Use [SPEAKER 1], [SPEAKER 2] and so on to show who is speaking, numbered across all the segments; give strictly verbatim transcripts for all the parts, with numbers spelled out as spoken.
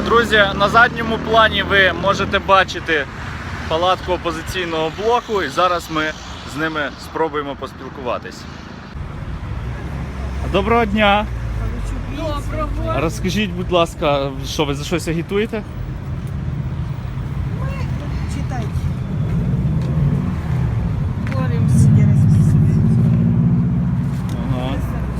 [SPEAKER 1] Друзі, на задньому плані ви можете бачити палатку опозиційного блоку, і зараз ми з ними спробуємо поспілкуватись. Доброго дня!
[SPEAKER 2] Доброго!
[SPEAKER 1] Розкажіть, будь ласка, що ви за щось агітуєте?
[SPEAKER 2] Ми читайте. Боремся.
[SPEAKER 1] Ага.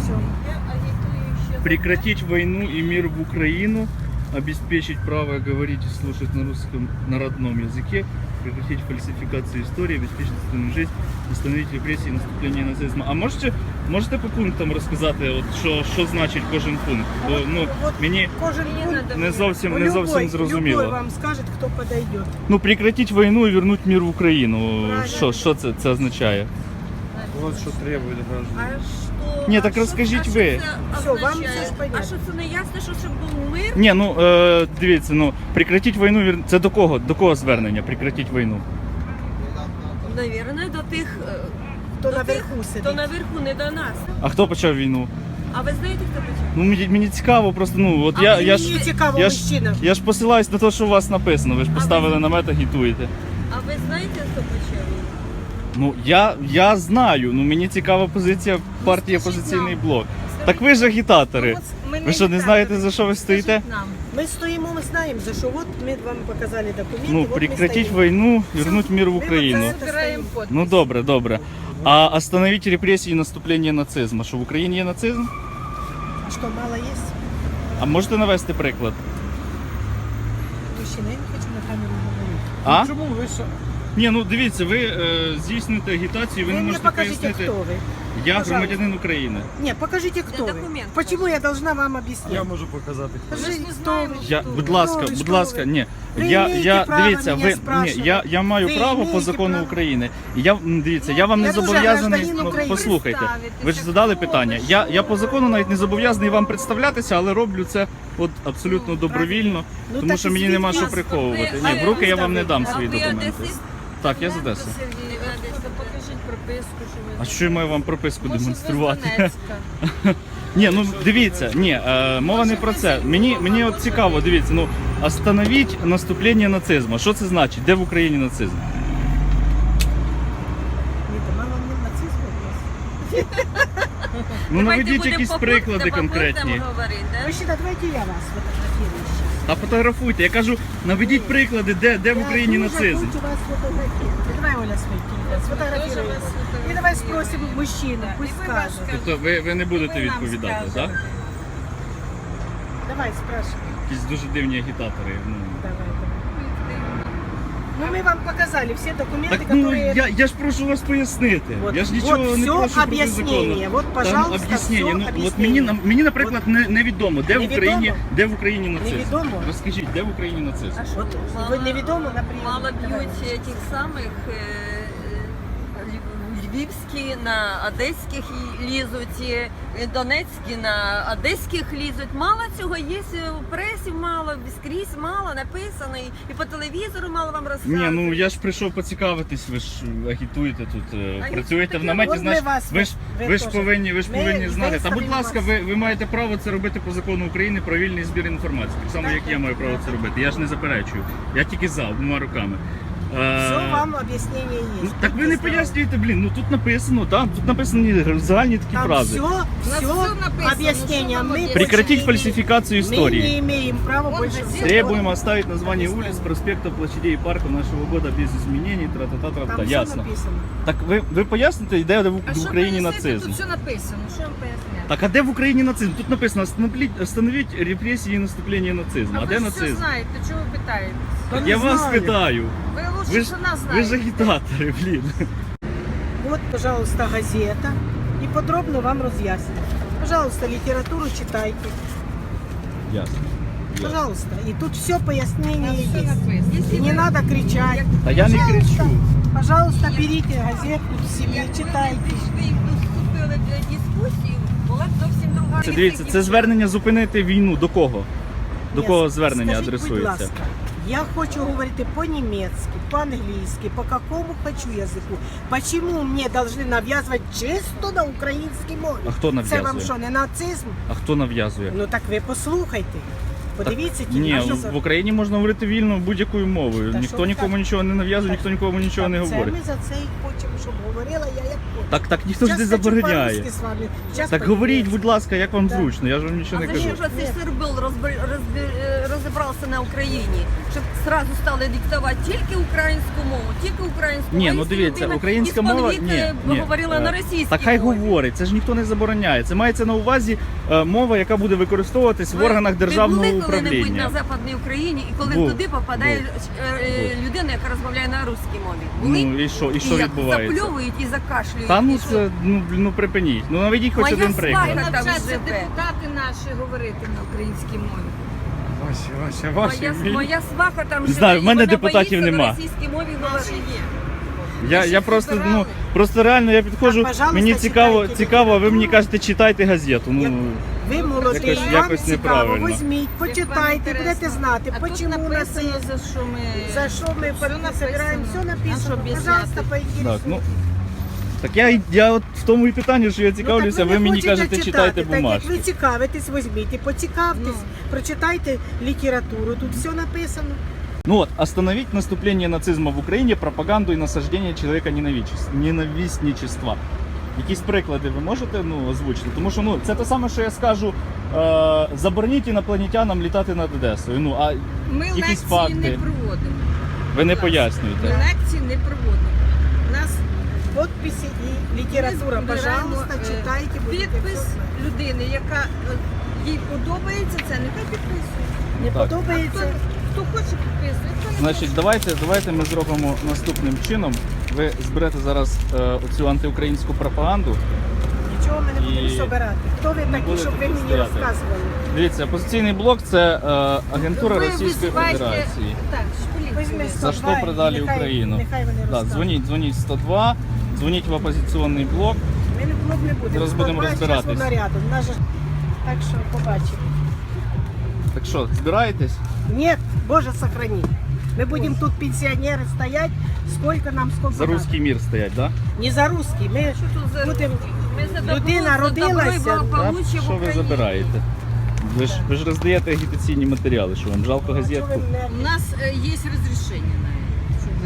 [SPEAKER 1] Прекратить войну и мир в Украину, обеспечить право говорить и слушать на русском, на родном языке, прекратить фальсификацию истории, обеспечить достойную жизнь, остановить репрессии и наступление нацизма. А можете, можете по пунктам розказати, от, що, що значить кожен пункт? Бо ну, мені
[SPEAKER 2] Кожен пункт
[SPEAKER 1] не зовсім, не
[SPEAKER 2] любой,
[SPEAKER 1] зовсім зрозуміло.
[SPEAKER 2] Любой вам скажет, кто подойдет.
[SPEAKER 1] Ну, прекратить войну и вернуть мир в Украину.
[SPEAKER 2] Правильно.
[SPEAKER 1] Що, що це, це означає?
[SPEAKER 3] Вот что требует граждан.
[SPEAKER 4] А що?
[SPEAKER 1] Ні,
[SPEAKER 4] а
[SPEAKER 1] так
[SPEAKER 4] що-
[SPEAKER 1] розкажіть
[SPEAKER 4] а що
[SPEAKER 1] ви.
[SPEAKER 4] це
[SPEAKER 2] Все, вам
[SPEAKER 4] означає?
[SPEAKER 2] все ж понятно.
[SPEAKER 4] А що це не ясно, що щоб був мир?
[SPEAKER 1] Ні, ну е, дивіться, ну прекратить війну, вір- це до кого? До кого звернення? Прекратить війну.
[SPEAKER 4] Навірно, до тих, е,
[SPEAKER 2] Хто
[SPEAKER 4] до
[SPEAKER 2] наверху
[SPEAKER 4] тих,
[SPEAKER 2] сидить.
[SPEAKER 4] хто наверху, не до нас.
[SPEAKER 1] А хто почав війну?
[SPEAKER 4] А ви знаєте, хто почав?
[SPEAKER 1] Ну мені, мені цікаво, просто ну от
[SPEAKER 4] А
[SPEAKER 1] я,
[SPEAKER 4] мені
[SPEAKER 1] я
[SPEAKER 2] Мені
[SPEAKER 1] ж
[SPEAKER 2] цікаво,
[SPEAKER 1] я ж,
[SPEAKER 2] мужчина.
[SPEAKER 1] я ж посилаюсь на те, що у вас написано. Ви ж
[SPEAKER 4] А
[SPEAKER 1] поставили
[SPEAKER 4] ви-
[SPEAKER 1] намет, агітуєте.
[SPEAKER 4] А ви знаєте, хто почав?
[SPEAKER 1] Ну я, я знаю. Ну мені цікава позиція партії
[SPEAKER 4] скажіть
[SPEAKER 1] опозиційний
[SPEAKER 4] нам.
[SPEAKER 1] блок. Так ви ж агітатори.
[SPEAKER 4] Ну, от ми
[SPEAKER 1] Ви що, не
[SPEAKER 4] агітатори.
[SPEAKER 1] знаєте, за що ви стоїте?
[SPEAKER 4] Скажіть нам.
[SPEAKER 2] Ми стоїмо, ми знаємо, за що. От ми вам показали документи.
[SPEAKER 1] Ну
[SPEAKER 2] от ми
[SPEAKER 1] прекратить
[SPEAKER 2] стоїмо.
[SPEAKER 1] війну, вернуть мир в
[SPEAKER 2] Ми
[SPEAKER 1] Україну.
[SPEAKER 2] оце
[SPEAKER 4] Збираємо подписи.
[SPEAKER 1] Ну добре, добре. А остановить репресії і наступлення нацизму. Що в Україні є нацизм?
[SPEAKER 2] А що, мало є?
[SPEAKER 1] А можете навести приклад?
[SPEAKER 2] Мужчина, я не хочу на камеру говорити.
[SPEAKER 1] А?
[SPEAKER 3] Чому ви що?
[SPEAKER 1] Ні, ну дивіться, ви е, здійснюєте агітацію, ви
[SPEAKER 2] Ви
[SPEAKER 1] не
[SPEAKER 2] мені
[SPEAKER 1] можете
[SPEAKER 2] покажите,
[SPEAKER 1] пояснити.
[SPEAKER 2] хто ви.
[SPEAKER 1] Я
[SPEAKER 2] Пожалуйста.
[SPEAKER 1] громадянин України.
[SPEAKER 2] Ні, покажите, хто ви.
[SPEAKER 4] документ
[SPEAKER 2] Почему
[SPEAKER 4] покажи.
[SPEAKER 2] я должна вам
[SPEAKER 3] Я
[SPEAKER 2] объяснять?
[SPEAKER 3] можу показати. хто.
[SPEAKER 4] Ми ж
[SPEAKER 2] Скажи,
[SPEAKER 4] не
[SPEAKER 2] хто
[SPEAKER 4] знаємо,
[SPEAKER 2] ви?
[SPEAKER 1] Я,
[SPEAKER 4] хто
[SPEAKER 1] будь
[SPEAKER 4] ви.
[SPEAKER 1] ласка,
[SPEAKER 2] ви,
[SPEAKER 1] будь
[SPEAKER 2] що
[SPEAKER 1] ласка,
[SPEAKER 2] ви?
[SPEAKER 1] ні.
[SPEAKER 2] Ви
[SPEAKER 1] Я,
[SPEAKER 2] маєте
[SPEAKER 1] я
[SPEAKER 2] право
[SPEAKER 1] дивіться,
[SPEAKER 2] мене
[SPEAKER 1] ви ні,
[SPEAKER 2] спрашувати.
[SPEAKER 1] я, я маю
[SPEAKER 2] Ви
[SPEAKER 1] право по
[SPEAKER 2] маєте
[SPEAKER 1] закону
[SPEAKER 2] право.
[SPEAKER 1] України. І я м, дивіться, я вам
[SPEAKER 2] Я
[SPEAKER 1] не
[SPEAKER 2] дуже
[SPEAKER 1] зобов'язаний.
[SPEAKER 2] гражданин
[SPEAKER 1] Ну,
[SPEAKER 2] України.
[SPEAKER 1] послухайте,
[SPEAKER 4] Представитися,
[SPEAKER 1] ви ж задали
[SPEAKER 4] хто ви,
[SPEAKER 1] питання. Я,
[SPEAKER 4] що
[SPEAKER 1] я по
[SPEAKER 4] ви.
[SPEAKER 1] закону навіть не зобов'язаний вам представлятися, але роблю це от абсолютно добровільно,
[SPEAKER 2] Ну,
[SPEAKER 1] тому
[SPEAKER 2] так
[SPEAKER 1] що
[SPEAKER 2] і
[SPEAKER 1] мені нема що
[SPEAKER 2] звідки?
[SPEAKER 1] приховувати.
[SPEAKER 4] А
[SPEAKER 1] Ні, в
[SPEAKER 4] ви
[SPEAKER 1] руки я вам не дам
[SPEAKER 4] А
[SPEAKER 1] свої
[SPEAKER 4] ви
[SPEAKER 1] документи.
[SPEAKER 4] одесит?
[SPEAKER 1] Так, я з Одеси.
[SPEAKER 4] Сергій, ви Одеська, покажіть прописку, що ви.
[SPEAKER 1] А що я маю вам прописку
[SPEAKER 4] Може, ви з
[SPEAKER 1] демонструвати?
[SPEAKER 4] Донецька?
[SPEAKER 1] Ні, ну дивіться, ні, е, мова не про це. Мені, мені от цікаво, дивіться, ну остановіть наступлення нацизму. Що це значить? Де в Україні нацизм?
[SPEAKER 2] Ні, то мало мені нацизму у вас.
[SPEAKER 1] Ну
[SPEAKER 4] Давайте
[SPEAKER 1] наведіть
[SPEAKER 4] будемо
[SPEAKER 1] якісь
[SPEAKER 4] по
[SPEAKER 1] приклади
[SPEAKER 4] пунктам, по
[SPEAKER 1] конкретні.
[SPEAKER 4] пунктам говорити, да?
[SPEAKER 2] Мужчина, давайте я вас фотографирую сейчас.
[SPEAKER 1] Та фотографуйте. Я кажу, наведіть приклади, де, де в Україні
[SPEAKER 2] Я
[SPEAKER 1] нацизм.
[SPEAKER 2] дуже хочу вас фотографировать. Давай, Оля, свой телефон. Сфотографируй
[SPEAKER 4] Тоже
[SPEAKER 2] его.
[SPEAKER 4] вас фотографирую.
[SPEAKER 2] И давай спросим мужчину, пусть
[SPEAKER 4] І ви
[SPEAKER 2] скажет.
[SPEAKER 4] вас
[SPEAKER 1] Тобто ви, ви не будете
[SPEAKER 4] Ви нам
[SPEAKER 1] відповідати, так?
[SPEAKER 4] скажете.
[SPEAKER 2] Давай, спрашивай.
[SPEAKER 1] Якісь дуже дивні агітатори. Ну.
[SPEAKER 2] Давай, давай. Ну, мы вам показали все документы,
[SPEAKER 1] Так ну
[SPEAKER 2] которые...
[SPEAKER 1] я, я ж прошу вас пояснити.
[SPEAKER 2] Вот,
[SPEAKER 1] Я ж нічого
[SPEAKER 2] вот
[SPEAKER 1] не
[SPEAKER 2] все
[SPEAKER 1] прошу проти
[SPEAKER 2] объяснение.
[SPEAKER 1] закону.
[SPEAKER 2] Вот, пожалуйста,
[SPEAKER 1] Там об'яснення.
[SPEAKER 2] все
[SPEAKER 1] Ну от мені на- мені, наприклад, не, невідомо, де в
[SPEAKER 2] Невідомо?
[SPEAKER 1] Україні, де в Україні нацизм.
[SPEAKER 2] Невідомо?
[SPEAKER 1] Розкажіть, де в Україні нацизм?
[SPEAKER 2] Вот, вы неведомо, например.
[SPEAKER 4] Мало
[SPEAKER 2] Давай.
[SPEAKER 4] б'ють тих самих е, е, льв- львівські на одеських і лізуть, і донецькі на одеських лізуть. Мало цього є у пресі, мало скрізь, мало написано, і, і по телевізору мало вам розказують.
[SPEAKER 1] Ні, ну я ж прийшов поцікавитись, ви ж агітуєте тут, е,
[SPEAKER 4] А
[SPEAKER 1] працюєте в
[SPEAKER 4] я-
[SPEAKER 1] наметі,
[SPEAKER 2] от ми
[SPEAKER 1] значить,
[SPEAKER 2] вас-
[SPEAKER 1] ви ж
[SPEAKER 2] ви
[SPEAKER 1] ви ж
[SPEAKER 2] теж.
[SPEAKER 1] повинні, ви ж
[SPEAKER 2] Ми
[SPEAKER 1] повинні знати. Та будь
[SPEAKER 2] виставимо
[SPEAKER 1] ласка,
[SPEAKER 2] вас.
[SPEAKER 1] ви, ви маєте право це робити по закону України про вільний збір інформації. Так само,
[SPEAKER 2] Так,
[SPEAKER 1] як я
[SPEAKER 2] так,
[SPEAKER 1] маю право
[SPEAKER 2] так.
[SPEAKER 1] це робити. Я ж не заперечую. Я тільки за обома руками. Е,
[SPEAKER 2] Все вам объяснение есть.
[SPEAKER 1] ну, так ви не пояснюєте, блін, ну тут написано, да, тут написані загальні такі
[SPEAKER 2] Там
[SPEAKER 1] фрази.
[SPEAKER 2] все,
[SPEAKER 4] нас
[SPEAKER 2] все
[SPEAKER 4] все написано,
[SPEAKER 2] объяснение.
[SPEAKER 4] ну, что вам
[SPEAKER 2] Мы
[SPEAKER 4] объяснить?
[SPEAKER 1] Прекратить
[SPEAKER 2] больше не
[SPEAKER 1] фальсификацию
[SPEAKER 2] имеем-
[SPEAKER 1] истории.
[SPEAKER 2] Мы не имеем права
[SPEAKER 4] Он
[SPEAKER 2] больше...
[SPEAKER 4] же
[SPEAKER 1] Требуем оставить название улиц, проспектов, площадей и парков нашего года без изменений, тра-та-та-та-та.
[SPEAKER 2] Там все
[SPEAKER 1] Ясно.
[SPEAKER 2] написано.
[SPEAKER 1] Так ви, ви поясните, де в,
[SPEAKER 4] А
[SPEAKER 1] в
[SPEAKER 4] що
[SPEAKER 1] Україні
[SPEAKER 4] пояснити?
[SPEAKER 1] нацизм?
[SPEAKER 4] Тут все написано, що вам поясняти?
[SPEAKER 1] Так, а де в Україні нацизм? Тут написано остановить, остановить репресії і наступлення нацизму. А, де
[SPEAKER 4] ви
[SPEAKER 1] нацизм?
[SPEAKER 4] все знаєте, чого ви питаєте?
[SPEAKER 2] Да
[SPEAKER 1] Я
[SPEAKER 2] не
[SPEAKER 1] вас
[SPEAKER 2] знаю.
[SPEAKER 1] питаю.
[SPEAKER 4] Ви лучше
[SPEAKER 1] Ви ж,
[SPEAKER 4] що нас
[SPEAKER 1] ви ж
[SPEAKER 4] знаєте.
[SPEAKER 1] агітатори, блін.
[SPEAKER 2] Вот, пожалуйста, газета. И подробно вам разъясню. Пожалуйста, литературу читайте.
[SPEAKER 1] Ясно.
[SPEAKER 2] Пожалуйста. И тут все пояснение
[SPEAKER 4] Все
[SPEAKER 2] есть.
[SPEAKER 4] написано. Якщо
[SPEAKER 2] И не
[SPEAKER 4] ви-
[SPEAKER 2] надо кричать.
[SPEAKER 1] Та я не
[SPEAKER 2] Пожалуйста.
[SPEAKER 1] кричу.
[SPEAKER 2] Пожалуйста, берите газетку себе, читайте.
[SPEAKER 4] Ви вступили в дискусію, була б зовсім друга.
[SPEAKER 1] Це дивіться, це звернення зупинити війну. До кого? До
[SPEAKER 2] Ні,
[SPEAKER 1] кого звернення
[SPEAKER 2] скажіть, будь
[SPEAKER 1] адресується?
[SPEAKER 2] ласка, я хочу говорити по-немецки, по-английски, по какому хочу язику. Почему мне должны навязывать чисто на українській мові?
[SPEAKER 1] А хто
[SPEAKER 2] Це вам
[SPEAKER 1] нав'язує?
[SPEAKER 2] що, не нацизм?
[SPEAKER 1] А хто нав'язує?
[SPEAKER 2] Ну так ви послухайте. Подивіться ті
[SPEAKER 1] Ні,
[SPEAKER 2] наші
[SPEAKER 1] в Україні можна говорити вільно будь-якою мовою.
[SPEAKER 2] Та
[SPEAKER 1] Ніхто
[SPEAKER 2] що
[SPEAKER 1] нікому
[SPEAKER 2] так?
[SPEAKER 1] нічого не нав'язує, ніхто нікому нічого не
[SPEAKER 2] Так,
[SPEAKER 1] говорить.
[SPEAKER 2] Це ми за це і хочемо, щоб говорила я як хочу.
[SPEAKER 1] Так, так ніхто ж не
[SPEAKER 2] Щас хочу
[SPEAKER 1] забороняє.
[SPEAKER 2] по-русски з вами. Щас
[SPEAKER 1] Так
[SPEAKER 2] по-німецьки.
[SPEAKER 1] говоріть, будь ласка, як вам
[SPEAKER 2] Так.
[SPEAKER 1] зручно, я ж вам нічого
[SPEAKER 4] А
[SPEAKER 1] не
[SPEAKER 4] зачем
[SPEAKER 1] кажу.
[SPEAKER 4] же цей сирбил розбер- розбер- е, розібрався на Україні? Щоб зразу стали диктувати тільки українську мову, тільки українську
[SPEAKER 1] Ні,
[SPEAKER 4] мову.
[SPEAKER 1] ну
[SPEAKER 4] Якщо
[SPEAKER 1] дивіться,
[SPEAKER 4] людина
[SPEAKER 1] українська
[SPEAKER 4] із-під
[SPEAKER 1] мова
[SPEAKER 4] віки
[SPEAKER 1] ні, ні.
[SPEAKER 4] говорила
[SPEAKER 1] Е,
[SPEAKER 4] на російській
[SPEAKER 1] Так хай
[SPEAKER 4] мові.
[SPEAKER 1] говорить, це ж ніхто не забороняє. Це мається на увазі е, мова, яка буде використовуватись в органах державного
[SPEAKER 4] ви були коли-небудь
[SPEAKER 1] управління.
[SPEAKER 4] на Западній Україні, і коли
[SPEAKER 1] Був.
[SPEAKER 4] туди попадає
[SPEAKER 1] Був.
[SPEAKER 4] е, е, людина, яка розмовляє на русській мові. Були?
[SPEAKER 1] Ну і що, і що
[SPEAKER 4] як
[SPEAKER 1] відбувається?
[SPEAKER 4] запльовують і закашлюють.
[SPEAKER 1] Та ну
[SPEAKER 4] і що?
[SPEAKER 1] це ну, блін, ну припиніть. Ну наведіть хоч
[SPEAKER 4] Моя
[SPEAKER 1] один приклад.
[SPEAKER 4] сваха там
[SPEAKER 5] Навчаться
[SPEAKER 4] живе.
[SPEAKER 5] депутати наші говорити на українській мові.
[SPEAKER 3] Вася, Вася, Вася.
[SPEAKER 4] Моя, моя сваха там живе,
[SPEAKER 1] Знаю, в
[SPEAKER 4] і
[SPEAKER 1] мене
[SPEAKER 4] вона
[SPEAKER 1] депутатів
[SPEAKER 4] боїться
[SPEAKER 1] нема.
[SPEAKER 4] на російській мові говорити.
[SPEAKER 1] Я, я просто, ну, просто реально я підходжу,
[SPEAKER 2] Так, пожалуйста,
[SPEAKER 1] мені цікаво,
[SPEAKER 2] читайте
[SPEAKER 1] цікаво, а ви мені
[SPEAKER 2] літературу.
[SPEAKER 1] кажете, читайте газету.
[SPEAKER 2] Як-
[SPEAKER 1] Ну,
[SPEAKER 2] Ви молодий,
[SPEAKER 1] Якось-
[SPEAKER 2] вам
[SPEAKER 1] якось
[SPEAKER 2] цікаво,
[SPEAKER 1] неправильно.
[SPEAKER 2] візьміть, почитайте, будете знати,
[SPEAKER 5] А тут
[SPEAKER 2] почему у нас
[SPEAKER 5] написано,
[SPEAKER 2] є,
[SPEAKER 5] за що ми...
[SPEAKER 2] за що ми
[SPEAKER 5] Все
[SPEAKER 2] под- собираємо, все
[SPEAKER 5] написано. А
[SPEAKER 2] написано.
[SPEAKER 5] що об'ясняти?
[SPEAKER 2] Пожалуйста,
[SPEAKER 1] так,
[SPEAKER 2] поінтересуйтесь.
[SPEAKER 1] ну, так я, я от в тому і питанні, що я цікавлюся,
[SPEAKER 2] Ну, так
[SPEAKER 1] ви
[SPEAKER 2] не
[SPEAKER 1] мені
[SPEAKER 2] хочете
[SPEAKER 1] кажете,
[SPEAKER 2] читати,
[SPEAKER 1] читайте
[SPEAKER 2] так як
[SPEAKER 1] бумажки.
[SPEAKER 2] ви цікавитесь, візьміть і поцікавтесь,
[SPEAKER 5] Ну.
[SPEAKER 2] прочитайте літературу, тут все написано.
[SPEAKER 1] Ну вот, остановить наступление нацизма в Україні, пропаганду і насаждення чоловіка ненависничества. Якісь приклади ви можете ну, озвучити? Тому що ну, це те саме, що я скажу, е, забороніть інопланетянам літати над Одесою. Ну, а
[SPEAKER 5] Ми
[SPEAKER 1] якісь
[SPEAKER 5] лекції
[SPEAKER 1] факти.
[SPEAKER 5] не проводимо.
[SPEAKER 1] ви не
[SPEAKER 5] Ми
[SPEAKER 1] пояснюєте.
[SPEAKER 5] лекції не проводимо. У нас
[SPEAKER 2] Подписи і література,
[SPEAKER 5] Ми
[SPEAKER 2] пожалуйста,
[SPEAKER 5] збираємо, е,
[SPEAKER 2] читайте, будете
[SPEAKER 5] підпис
[SPEAKER 2] все знати.
[SPEAKER 5] людини, яка е, їй подобається, це нехай підписує.
[SPEAKER 2] Не
[SPEAKER 1] Так.
[SPEAKER 5] Хто,
[SPEAKER 2] подобається,
[SPEAKER 5] хто хоче підписує, хто не
[SPEAKER 1] Значить, давайте, давайте ми зробимо наступним чином. Ви зберете зараз е, оцю антиукраїнську пропаганду.
[SPEAKER 2] нічого ми не будемо
[SPEAKER 1] І
[SPEAKER 2] собирати. Хто ви
[SPEAKER 1] не
[SPEAKER 2] такі,
[SPEAKER 1] будете
[SPEAKER 2] щоб ви мені
[SPEAKER 1] стояти.
[SPEAKER 2] розказували?
[SPEAKER 1] Дивіться, опозиційний блок це е, агентура
[SPEAKER 5] Ви
[SPEAKER 1] Російської
[SPEAKER 5] визивайте-
[SPEAKER 1] Федерації.
[SPEAKER 5] Так, ж поліцію.
[SPEAKER 2] Візьми
[SPEAKER 1] За
[SPEAKER 2] сто два
[SPEAKER 1] що
[SPEAKER 2] і
[SPEAKER 1] продали
[SPEAKER 2] нехай-
[SPEAKER 1] Україну?
[SPEAKER 2] Нехай вони
[SPEAKER 1] Да,
[SPEAKER 2] розказують.
[SPEAKER 1] дзвоніть, дзвоніть сто два, дзвоніть в опозиційний блок.
[SPEAKER 2] Ми не, ми не будемо.
[SPEAKER 1] Зараз будемо
[SPEAKER 2] сто два,
[SPEAKER 1] розбиратись.
[SPEAKER 2] щас воно рядом. Нас же- Так що побачимо.
[SPEAKER 1] Так що, збираєтесь?
[SPEAKER 2] Нет, Боже, сохрани. Мы будем тут пенсионеры стоять, сколько нам, сколько
[SPEAKER 1] За
[SPEAKER 2] надо.
[SPEAKER 1] русський мір стоять, так? Да?
[SPEAKER 2] Не за русский, ми
[SPEAKER 4] Що тут за
[SPEAKER 2] будемо...
[SPEAKER 4] Ми за добро,
[SPEAKER 2] Людина
[SPEAKER 4] за добро і
[SPEAKER 2] родилася,
[SPEAKER 4] благополуччя
[SPEAKER 1] Так,
[SPEAKER 4] в
[SPEAKER 1] що ви
[SPEAKER 4] Україні.
[SPEAKER 1] забираєте? Ви ж, ви ж роздаєте агітаційні матеріали, що вам жалко газетку?
[SPEAKER 5] У нас е, є розрішення навіть, щоб ви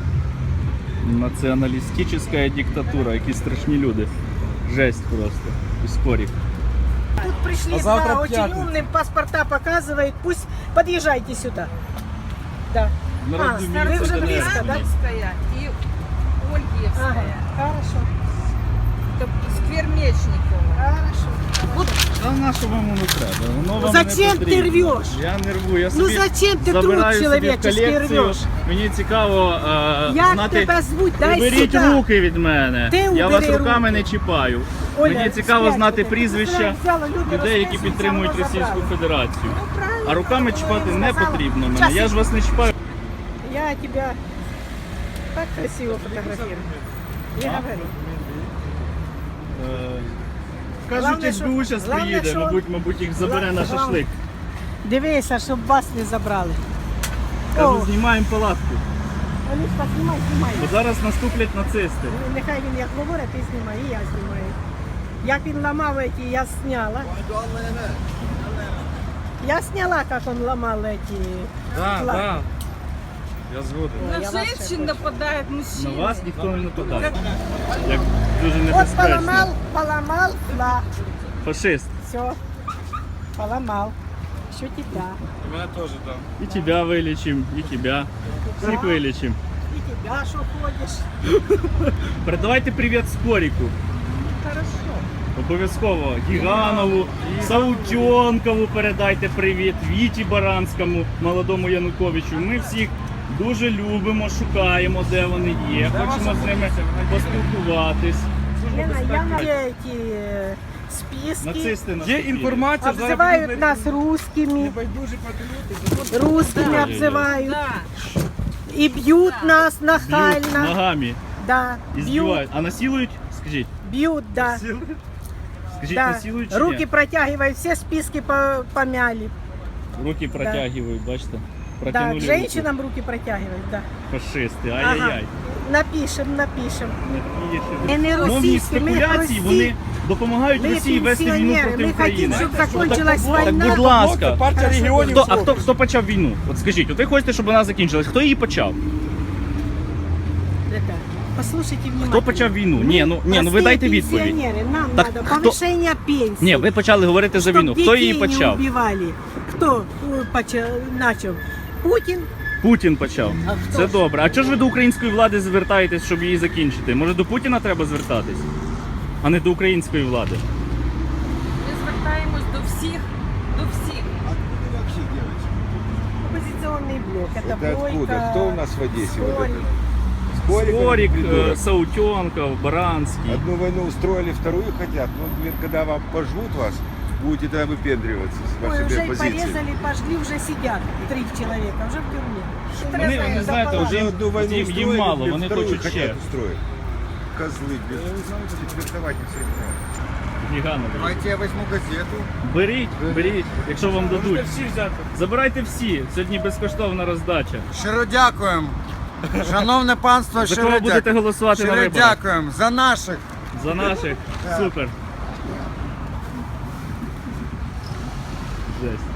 [SPEAKER 5] знали.
[SPEAKER 1] Націоналістична диктатура, які страшні люди. Жесть просто. Іскорік.
[SPEAKER 2] Тут пришли
[SPEAKER 3] А завтра
[SPEAKER 2] два очень
[SPEAKER 3] пятница.
[SPEAKER 2] умным, паспорта показывают, пусть подъезжайте сюда. Да.
[SPEAKER 1] Народу
[SPEAKER 2] А,
[SPEAKER 1] міліція
[SPEAKER 2] вы уже
[SPEAKER 1] Донецька.
[SPEAKER 2] близко, да?
[SPEAKER 5] Старобільська і Ольгівська.
[SPEAKER 2] Ага, хорошо,
[SPEAKER 5] Тобто сквер Мечникова.
[SPEAKER 2] хорошо.
[SPEAKER 1] Та на що вам воно треба? Воно вам
[SPEAKER 2] Зачем
[SPEAKER 1] не
[SPEAKER 2] ти
[SPEAKER 1] потрібно.
[SPEAKER 2] рвеш?
[SPEAKER 1] Я не рву, я
[SPEAKER 2] Ну
[SPEAKER 1] собі
[SPEAKER 2] зачем ты труд
[SPEAKER 1] забираю собі в
[SPEAKER 2] человеческий
[SPEAKER 1] колекцію.
[SPEAKER 2] рвешь?
[SPEAKER 1] Мені цікаво е,
[SPEAKER 2] Як
[SPEAKER 1] знати...
[SPEAKER 2] тебе звуть? Дай
[SPEAKER 1] Уберіть
[SPEAKER 2] сюда.
[SPEAKER 1] руки від мене.
[SPEAKER 2] Ти
[SPEAKER 1] я
[SPEAKER 2] убери
[SPEAKER 1] вас руками
[SPEAKER 2] руки.
[SPEAKER 1] не чіпаю.
[SPEAKER 2] Оля,
[SPEAKER 1] Мені цікаво
[SPEAKER 2] спрячь
[SPEAKER 1] знати
[SPEAKER 2] руки.
[SPEAKER 1] прізвища
[SPEAKER 2] Взяла, люди
[SPEAKER 1] людей, які
[SPEAKER 2] розписуються,
[SPEAKER 1] підтримують
[SPEAKER 2] воно
[SPEAKER 1] Російську
[SPEAKER 2] забрали.
[SPEAKER 1] Федерацію.
[SPEAKER 2] Ну, правильно,
[SPEAKER 1] А руками
[SPEAKER 2] правильно,
[SPEAKER 1] чіпати
[SPEAKER 2] я
[SPEAKER 1] не
[SPEAKER 2] сказала.
[SPEAKER 1] потрібно мене.
[SPEAKER 2] Щас
[SPEAKER 1] Я ж вас не чіпаю.
[SPEAKER 2] Я тебя так красиво фотографирую. Не
[SPEAKER 1] А?
[SPEAKER 2] говори.
[SPEAKER 1] Е, Кажуть,
[SPEAKER 2] Главне,
[SPEAKER 1] ес бе у
[SPEAKER 2] що-
[SPEAKER 1] зараз
[SPEAKER 2] главне,
[SPEAKER 1] приїде,
[SPEAKER 2] що-
[SPEAKER 1] мабуть, мабуть, їх забере на
[SPEAKER 2] Главне-
[SPEAKER 1] шашлик.
[SPEAKER 2] Дивися, щоб вас не забрали.
[SPEAKER 1] Кажу,
[SPEAKER 2] О,
[SPEAKER 1] знімаємо палатку.
[SPEAKER 2] Олюшка, знімай, знімай.
[SPEAKER 1] Бо зараз наступлять нацисти.
[SPEAKER 2] Ну, нехай він як говорить, ти знімай, і я знімаю. Як він ламав эти, я сняла. Я сняла, как он ломал эти.
[SPEAKER 3] Да,
[SPEAKER 2] флаги.
[SPEAKER 3] да. Я згоден.
[SPEAKER 2] Ой, я
[SPEAKER 5] На
[SPEAKER 2] вас ще
[SPEAKER 5] женщин
[SPEAKER 2] хочу.
[SPEAKER 5] нападают
[SPEAKER 1] На
[SPEAKER 5] мужчины.
[SPEAKER 1] вас ніхто не нападає. Як дуже
[SPEAKER 2] Вот
[SPEAKER 1] небезпечно.
[SPEAKER 2] поломал, поломал флаг.
[SPEAKER 1] Фашист.
[SPEAKER 2] Все, поломал. Еще тебя.
[SPEAKER 3] У мене теж там.
[SPEAKER 1] І тебе вилічим, і тебе. Всіх вилічим.
[SPEAKER 2] И тебя, что ходишь.
[SPEAKER 1] Передавайте привіт Скоріку.
[SPEAKER 2] Хорошо.
[SPEAKER 1] Обов'язково Гіганову, Саутьонкову передайте привіт, Віті Баранському, молодому Януковичу. Ми всіх дуже любимо, шукаємо, де вони є. Хочемо з ними поспілкуватись.
[SPEAKER 2] Лена, я на эти э, списки.
[SPEAKER 1] Нацисти нас
[SPEAKER 3] Є
[SPEAKER 1] хотіли.
[SPEAKER 3] інформація, зараз
[SPEAKER 2] Обзывают
[SPEAKER 3] будуть
[SPEAKER 2] нас русскими.
[SPEAKER 3] небайдужі патріоти.
[SPEAKER 2] Русскими
[SPEAKER 1] Да.
[SPEAKER 2] обзывают.
[SPEAKER 5] Да.
[SPEAKER 2] И бьют нас
[SPEAKER 1] Б'ють
[SPEAKER 2] нахально.
[SPEAKER 1] ногами
[SPEAKER 2] Да,
[SPEAKER 1] і
[SPEAKER 2] бьют,
[SPEAKER 1] збивають. А насилують? Скажіть.
[SPEAKER 2] бьют, да.
[SPEAKER 1] Скажіть,
[SPEAKER 2] Да.
[SPEAKER 1] насилують чи
[SPEAKER 2] Руки
[SPEAKER 1] ні?
[SPEAKER 2] протягивают, все списки по- помяли.
[SPEAKER 1] Руки протягують, бачите.
[SPEAKER 2] Да,
[SPEAKER 1] Протянули
[SPEAKER 2] к женщинам руки протягивать, да.
[SPEAKER 1] руку. Фашисти, ай-яй-яй.
[SPEAKER 2] Ага. Напишем, напишем.
[SPEAKER 1] Напишемо.
[SPEAKER 2] І не
[SPEAKER 1] Мовні
[SPEAKER 2] російські, ми
[SPEAKER 1] спекуляції,
[SPEAKER 2] прості.
[SPEAKER 1] вони допомагають
[SPEAKER 2] Ми
[SPEAKER 1] Росії вести війну
[SPEAKER 2] пенсіонери,
[SPEAKER 1] проти
[SPEAKER 2] ми
[SPEAKER 1] України.
[SPEAKER 2] хотим, щоб закончилась
[SPEAKER 1] Так,
[SPEAKER 2] війна.
[SPEAKER 1] будь ласка.
[SPEAKER 3] Партія
[SPEAKER 2] Хорошо.
[SPEAKER 3] регіонів.
[SPEAKER 1] Хто, а хто, хто почав війну? От скажіть, от ви хочете, щоб вона закінчилась. Хто її почав?
[SPEAKER 2] Ребята, послушайте внимательно.
[SPEAKER 1] Хто почав війну? Ні, ну, ні, ну ви
[SPEAKER 2] Простые
[SPEAKER 1] дайте відповідь.
[SPEAKER 2] пенсионеры, нам
[SPEAKER 1] Так
[SPEAKER 2] надо
[SPEAKER 1] хто-
[SPEAKER 2] повышение пенсии.
[SPEAKER 1] Ні, ви почали говорити за
[SPEAKER 2] Чтоб
[SPEAKER 1] війну. Хто її
[SPEAKER 2] детей
[SPEAKER 1] почав?
[SPEAKER 2] не убивали. Кто э, поча- начал? Путин.
[SPEAKER 1] Путін почав.
[SPEAKER 2] А хто
[SPEAKER 1] Це
[SPEAKER 2] ж?
[SPEAKER 1] добре. А чого ж ви до української влади звертаєтесь, щоб її закінчити? Може до Путіна треба звертатись, а не до української влади?
[SPEAKER 5] Ми звертаємось до всіх, до всіх.
[SPEAKER 6] Откуда вообще, девочки?
[SPEAKER 2] Оппозиционный блок. Это,
[SPEAKER 6] Это откуда?
[SPEAKER 2] Бойко,
[SPEAKER 6] Кто у нас в Одессе? Вот
[SPEAKER 2] Скорик.
[SPEAKER 6] этот? Скорик,
[SPEAKER 1] Скорик,
[SPEAKER 6] этот придурок.
[SPEAKER 1] е, Саутенков, Баранський.
[SPEAKER 6] Одну войну устроили, вторую хотят. Ну, блин, когда вам пожмут вас, будете тогда выпендриваться с
[SPEAKER 2] Ой,
[SPEAKER 6] вашей
[SPEAKER 2] уже
[SPEAKER 6] оппозиции.
[SPEAKER 2] порезали, пожгли, уже сидят три человека, уже в тюрьме.
[SPEAKER 1] Вони, вони знаєте,
[SPEAKER 6] Уже
[SPEAKER 1] вже
[SPEAKER 6] одну войну
[SPEAKER 1] їм,
[SPEAKER 6] устроили,
[SPEAKER 1] їм мало,
[SPEAKER 6] блин,
[SPEAKER 1] вони
[SPEAKER 6] вторую
[SPEAKER 1] хочуть
[SPEAKER 6] хотят
[SPEAKER 1] ще.
[SPEAKER 6] устроить. Козлы, блин. Четвертовать не все.
[SPEAKER 1] Гіганові.
[SPEAKER 6] Давайте я возьму газету.
[SPEAKER 1] Беріть, беріть, якщо вам дадуть.
[SPEAKER 3] Можете всі взяти.
[SPEAKER 1] Забирайте всі. Сьогодні безкоштовна роздача.
[SPEAKER 7] Щиро дякуємо. Шановне панство,
[SPEAKER 1] За
[SPEAKER 7] щиро
[SPEAKER 1] кого будете
[SPEAKER 7] дякуємо.
[SPEAKER 1] голосувати на
[SPEAKER 7] Щиро
[SPEAKER 1] виборах?
[SPEAKER 7] дякуємо за наших.
[SPEAKER 1] За наших. Супер. Жесть.